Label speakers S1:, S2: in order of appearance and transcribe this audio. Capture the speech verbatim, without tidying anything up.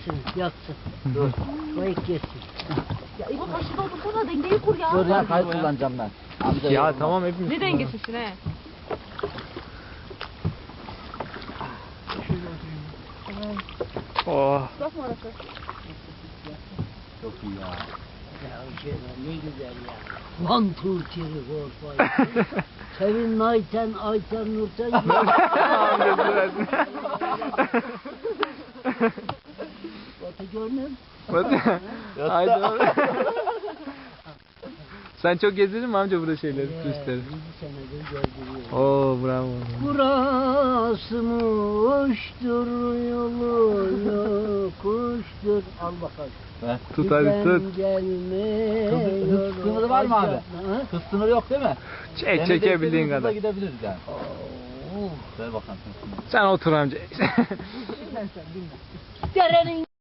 S1: Yesin, yatsın. Dur. Kayık yesin.
S2: Ya İbo taşı doldursana dengeyi kur ya.
S3: Dur ya kayıt kullanacağım ben. Amca
S4: Ya
S3: yorulma.
S4: tamam hepimiz.
S2: Ne dengesisin he?
S4: Oh.
S2: Bakma orası.
S3: Çok iyi ya.
S1: Ya şey ne güzel ya. One, two, three, four, five. Sevin, Ayten, Ayten, Nurten.
S4: Amcası versin.
S1: Batı görmem.
S4: Haydi oğlum. Sen çok gezdin mi amca burada şeyleri, turistleri?
S1: yedi senedir gezdiriyorum.
S4: Oo bravo.
S1: Burası muştur yolu yokuştur. Al bakalım.
S4: Tut hadi tut.
S1: Gelmiyor.
S3: Hız sınırı var mı abi?
S1: Ha?
S3: Hız sınırı yok değil mi?
S4: Çek çekebildiğin
S3: Hızla
S4: kadar.
S3: gidebiliriz yani.
S1: Oo.
S3: Ver bakalım hız sınırı.
S4: Sen otur amca.
S1: Dinle sen dinle. Derenin